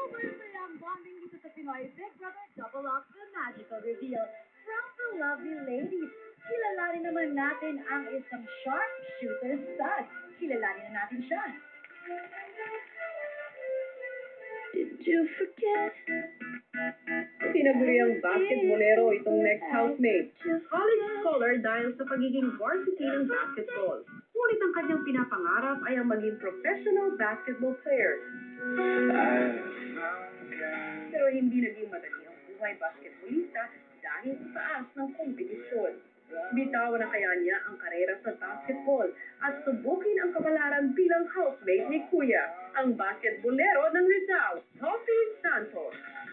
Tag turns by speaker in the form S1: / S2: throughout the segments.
S1: Tuloy-tuloy ang bonding dito sa Pinoy Big Brother Double Up the Magical Reveal from the lovely ladies. Kilalanin naman natin ang isang sharpshooter stud. Kilalanin na natin siya.
S2: Did you forget?
S3: Tinaguriang basketbolero itong next housemate. College scholar dahil sa pagiging varsity ng basketball. Ngunit ang kanyang pinapangarap ay ang maging professional basketball player. Pero hindi naging madali ang buhay basketballista dahil sa taas ng kompetisyon. Bitawan na kaya niya ang karera sa basketball at subukin ang kapalaran bilang housemate ni Kuya, ang basketbolero ng Rizal, Toffee Santos.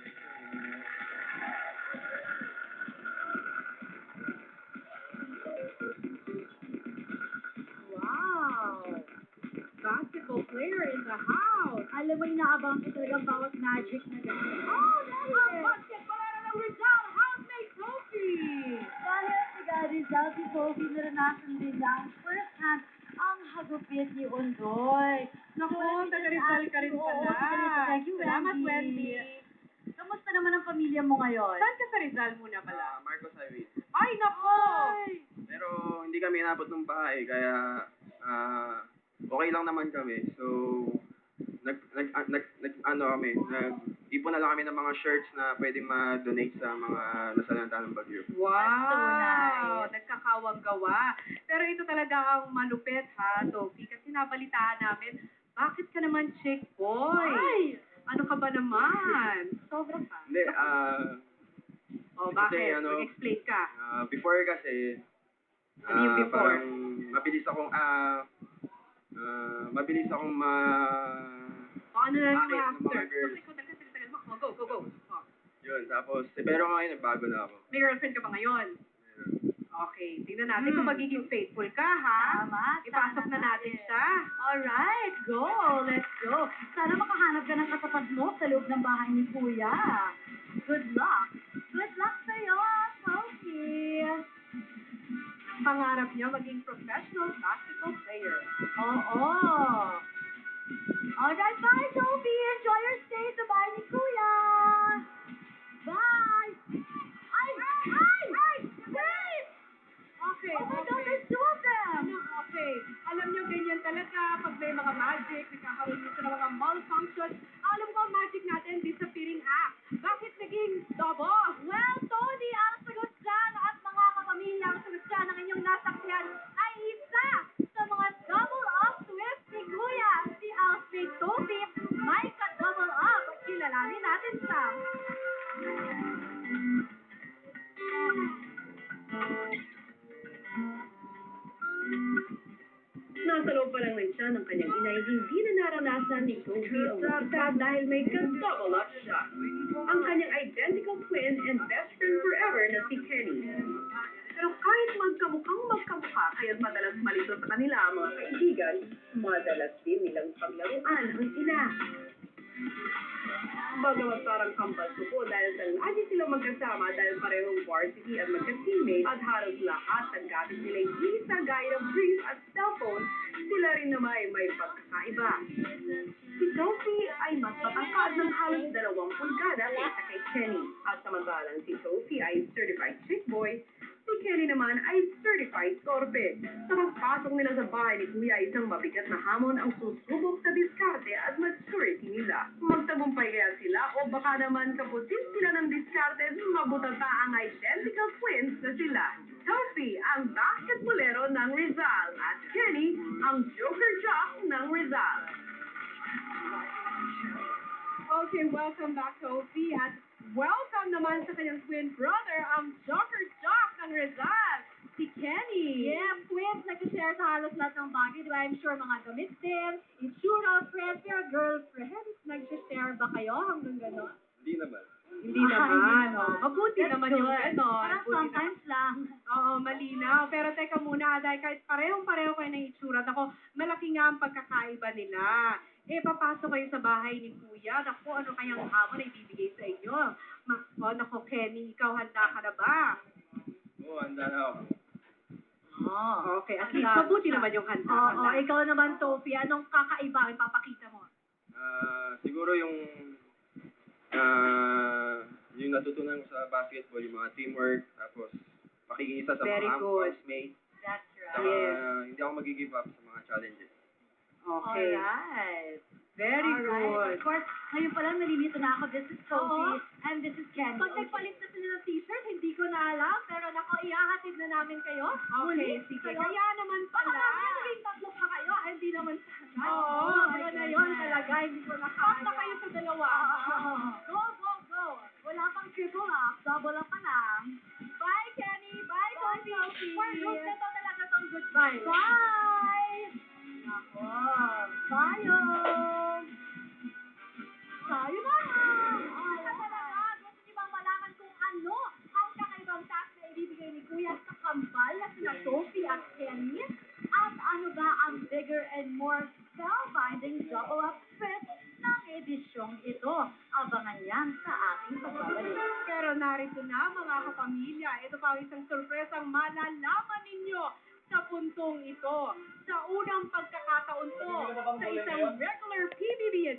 S1: Wow! Basketball player in the house. Alam mo, inaabang ko talaga bawat magic na gano'n. Oh, dahil ang basketballero ng Rizal, housemate Sophie! Dahil taga Rizal, si Sophie naranasan din lang first hand ang hagupit ni Ondoy.
S3: Naku, taga Rizal ka rin pala.
S1: Thank you,
S3: Salamat,
S1: Wendy. Kamusta naman ang pamilya mo ngayon?
S3: Saan ka sa Rizal muna pala?
S4: Marcos Highway.
S3: Ay, nako!
S4: Pero hindi kami inabot ng bahay, kaya okay lang naman kami. So, ipon na lang kami ng mga shirts na pwedeng ma-donate sa mga nasalanta ng bagyo.
S3: Wow!
S1: So nice.
S3: Nagkakawang gawa. Pero ito talaga ang malupit, ha, Sophie? Kasi nabalitaan namin, bakit ka naman chick boy?
S1: Ay!
S3: Ano ka ba naman? Sobra ka.
S4: Hindi,
S3: Oh, bakit?
S4: kasi,
S3: Mag-explain ka.
S4: before kasi,
S3: Ano yung before?
S4: parang mabilis akong
S3: O, ano na yung
S4: Bakit? Ng
S3: after?
S4: mga girls.
S3: Tagal mo. Oh, go. Oh.
S4: yun. Tapos, pero ngayon, nagbago na ako.
S3: May girlfriend ka ba ngayon? Okay, tingnan natin kung magiging faithful ka, ha?
S1: Tama.
S3: Ipasok na natin siya.
S1: Alright, go. Let's go. Sana makahanap ka ng katapat mo sa loob ng bahay ni Kuya. Good luck. Good luck sa'yo, Sophie.
S3: Pangarap niya maging professional basketball player.
S1: Oo. Alright, bye, Sophie. Enjoy your stay sa bahay ni Kuya. Bye. Ay! Wait!
S3: Okay,
S1: Oh my God, there's two of them.
S3: Okay. Alam niyo, ganyan talaga pag may mga magic, nagkakaroon dito ng mga malfunction. Alam ko, ang magic natin, disappearing act. Bakit naging double?
S1: Well, Tony, ang sagot dyan at mga kapamilya, ang sagot dyan ng inyong nasakyan ay isa sa mga double up twist ni Kuya, si Alfred Sophie. May ka-double up. Kilalanin natin siya.
S3: Nasa loob pa lang siya ng kanyang inay, hindi na naranasan ni Sophie ang magkita dahil may ka-double up siya. Ang kanyang identical twin and best friend forever na si Kenny. Pero kahit magkamukha, kaya't madalas malito sa kanila ang mga kaibigan, madalas din nilang paglaruan ang ina. Bagamat parang kambal suko dahil sa lagi silang magkasama dahil parehong varsity at magka-teammate at halos lahat ng gamit nila hindi sa gaya ng brief at cellphone, sila rin naman ay may pagkakaiba. Si Sophie ay mas matangkad ng halos 2 pulgada kaysa kay Kenny. At samantalang si Sophie ay certified chick boy, si Kenny naman ay certified torpe. Sa pagpasok nila sa bahay ni Kuya, isang mabigat na hamon ang susubok sa diskarte at maturity nila. Magtagumpay kaya sila o baka naman kapusin sila ng diskarte at mabutata ang identical twins na sila. Sophie, ang basketbolero ng Rizal, at Kenny, ang joker jock ng Rizal. Okay, welcome back, Sophie, at welcome naman sa kanyang twin brother, ang joker jock ng Rizal, si Kenny.
S1: Yeah, twins, nag-share sa halos lahat ng bagay. Di ba? I'm sure mga damit din, itsura, friends, pero girlfriends, nag-share ba kayo hanggang gano'n?
S4: Hindi naman.
S3: Hindi naman. Oh, mabuti
S1: That's
S3: naman
S1: good.
S3: yung gano'n.
S1: Parang
S3: Buti
S1: sometimes lang.
S3: Oo, malinaw. Pero teka muna, dahil kahit parehong-pareho kayo ng itsura, ako, malaki nga ang pagkakaiba nila. Papasok kayo sa bahay ni Kuya. Naku, ano kayang hamon na ibibigay sa inyo? Naku, Kenny, ikaw handa ka na ba?
S4: Oo, handa na ako.
S1: Oh,
S3: Okay, at least mabuti naman yung handa.
S1: Oo, ikaw naman, Sophie, anong kakaiba ang ipapakita mo?
S4: Siguro yung natutunan ko sa basketball yung mga teamwork, tapos pakikiisa sa
S3: Very
S4: mga
S3: good.
S4: housemate.
S1: That's
S4: Saka
S3: Yes.
S4: hindi ako mag-give up sa mga challenges.
S3: Okay.
S1: Alright.
S3: Very good.
S1: Of course, ngayon pa lang nalilito na ako. This is Sophie and this is Kenny.
S2: Pag nagpalit na sila ng t-shirt, hindi ko na alam. Pero nako, ihahatid na namin kayo.
S3: Okay, sige. Kaya naman
S2: Baka
S3: pala.
S2: mamaya naging tatlo pa kayo. Hindi naman sana.
S3: Oo,
S2: Sobra
S1: my
S2: na yun
S1: goodness.
S2: talaga. Hindi ko na
S3: Stop
S2: kaya.
S3: na kayo sa dalawa.
S2: Go, go, go. Wala pang triple up. Double up pa lang. Bye, Kenny. Bye, Sophie. For group na to talaga tong goodbye. Bye. Nako. Bye, sayonara. Talaga, gusto niyo bang malaman kung ano ang kakaibang task na ibibigay ni Kuya sa kambal na sina Sophie at Kenny? At ano ba ang bigger and more spellbinding double-up twist ng edisyong ito? Abangan yan sa ating pagbabalik.
S3: Pero narito na mga kapamilya, ito pa ang isang sorpresang malalaman ninyo sa puntong ito. Sa unang pagkakataon to, sa isang regular PBB